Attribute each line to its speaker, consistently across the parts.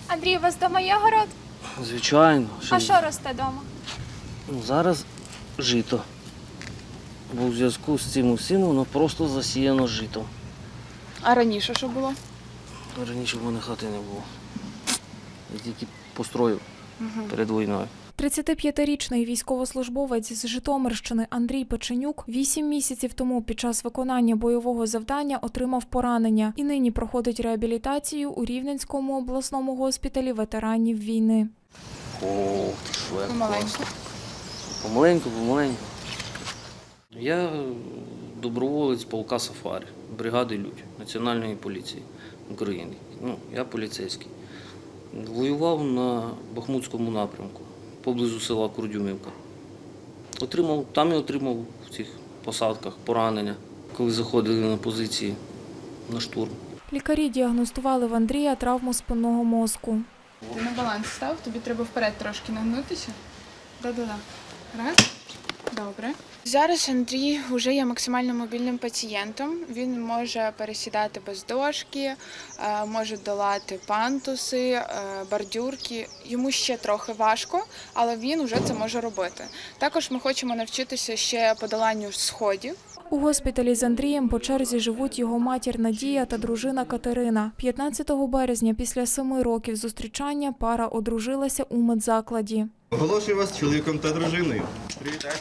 Speaker 1: Андрій, у вас вдома є город?
Speaker 2: Звичайно.
Speaker 1: А що росте вдома?
Speaker 2: Зараз жито. Бо у зв'язку з цим усім воно просто засіяно житом.
Speaker 3: А раніше що було?
Speaker 2: Раніше в мене хати не було. Я тільки построїв перед війною.
Speaker 4: 35-річний військовослужбовець з Житомирщини Андрій Печенюк 8 місяців тому під час виконання бойового завдання отримав поранення і нині проходить реабілітацію у Рівненському обласному госпіталі ветеранів війни.
Speaker 2: Ох, ти що, як
Speaker 3: Помаленьку.
Speaker 2: класно. Помаленьку. Я доброволець полка «Сафарі», бригади «Людь» Національної поліції України. Я поліцейський. Воював на Бахмутському напрямку, поблизу села Курдюмівка. Там я отримав в цих посадках поранення, коли заходили на позиції на штурм.
Speaker 4: Лікарі діагностували в Андрія травму спинного мозку.
Speaker 3: Ти на баланс став, тобі треба вперед трошки нагнутися. Да-да-да. Раз. Добре. Зараз Андрій вже є максимально мобільним пацієнтом. Він може пересідати без дошки, може долати пантуси, бордюрки. Йому ще трохи важко, але він вже це може робити. Також ми хочемо навчитися ще подоланню сходів.
Speaker 4: У госпіталі з Андрієм по черзі живуть його матір Надія та дружина Катерина. 15 березня після 7 років зустрічання пара одружилася у медзакладі.
Speaker 5: Оголошую вас чоловіком та дружиною. Привітайте.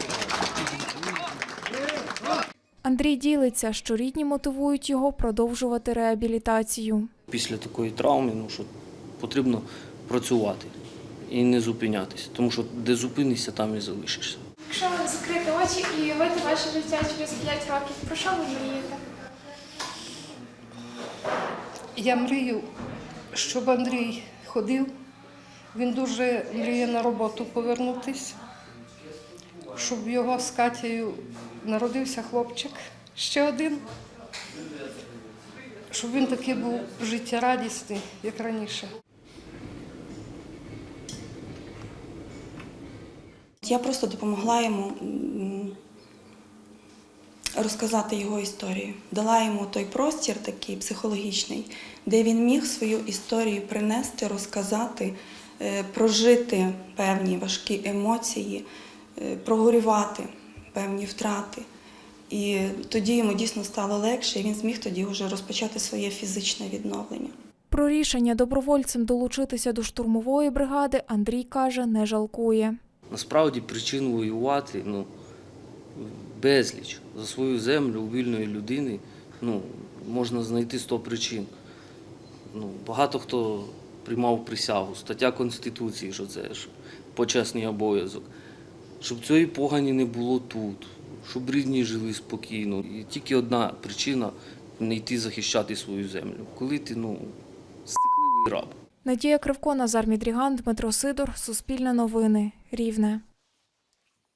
Speaker 4: Андрій ділиться, що рідні мотивують його продовжувати реабілітацію.
Speaker 2: Після такої травми що потрібно працювати і не зупинятися, тому що де зупинишся, там і залишишся.
Speaker 1: Якщо закрити очі і уявити ваше життя через 5 років, про що ви мрієте?
Speaker 6: Я мрію, щоб Андрій ходив. Він дуже мріє на роботу повернутися, щоб його з Катєю народився хлопчик, ще один, щоб він такий був життєрадісний, як раніше.
Speaker 7: Я просто допомогла йому розказати його історію. Дала йому той простір такий психологічний, де він міг свою історію принести, розказати, прожити певні важкі емоції, прогорювати певні втрати. І тоді йому дійсно стало легше, і він зміг тоді вже розпочати своє фізичне відновлення.
Speaker 4: Про рішення добровольцем долучитися до штурмової бригади Андрій каже, не жалкує.
Speaker 2: Насправді причин воювати безліч. За свою землю у вільної людини можна знайти 100 причин. Багато хто приймав присягу, стаття Конституції, що це ж почесний обов'язок. Щоб цієї погані не було тут, щоб рідні жили спокійно. І тільки одна причина – не йти захищати свою землю. Коли ти, стикливий раб.
Speaker 4: Надія Кривко, Назар Мідріган, Дмитро Сидор, Суспільне новини, Рівне.